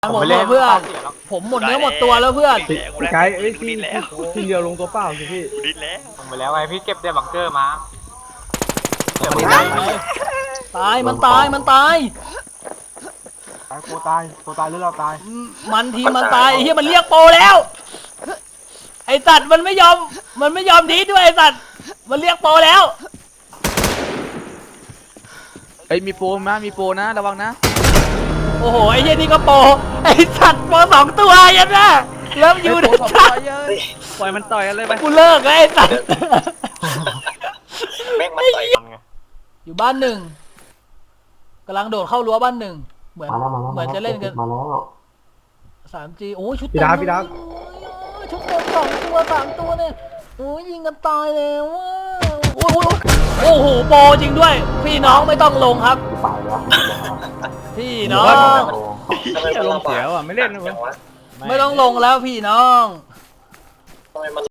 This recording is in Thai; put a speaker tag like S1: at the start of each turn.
S1: หมดเพื่อนผมหมดเนื้อหมดตัวแล้วเพื่อน
S2: พี่ไกด์ที่เดียวลงตัวเปล่าสิพี่
S3: ดิ้นแล้ว
S4: ลงไปแล้วไงพี่เก็บได้บังเกอร์มา
S1: ตายมันตายมันตาย
S2: ตัวตายหรือเราตาย
S1: มันทีมันตายไอ้เหี้ยมันเรียกโปรแล้วไอ้สัตว์มันไม่ยอมดีด้วยไอ้สัตว์มันเรียกโปรแล้ว
S5: เอ้ยมีโปรนะระวังนะ
S1: โอ้โหไอ้เหี้ยนี่ก็โปรไอ้สัตว์โปรสองตัวยันนะเริ่มอยู่
S5: โปร
S1: นะ
S5: สอง
S1: จ๊ะ
S5: ตัวเยอะ
S2: ปล่อยมันต่อยกันเลยไป
S1: กูเลิกแล้วไอ้สัตว์
S3: แม่งมันต่อยกันไง
S1: อยู่บ้านหนึ่งกำลังโดดเข้ารั้วบ้านหนึ่งเหมือนจะเล่นกัน3G โอ้ยชุดเต็มเลยชุดเต็ม2 ตัว 3 ตัวเนี่ยโอ้ยยิงกันตายแล้วโอ้โหโปรจริงด้วยพี่น้องไม่ต้องลงครับพี่น้อง
S2: ลงเสียวอ่ะไม่เล่นนะ
S1: ไม่ต้องลงแล้วพี่น้อง
S3: ทำไมมัน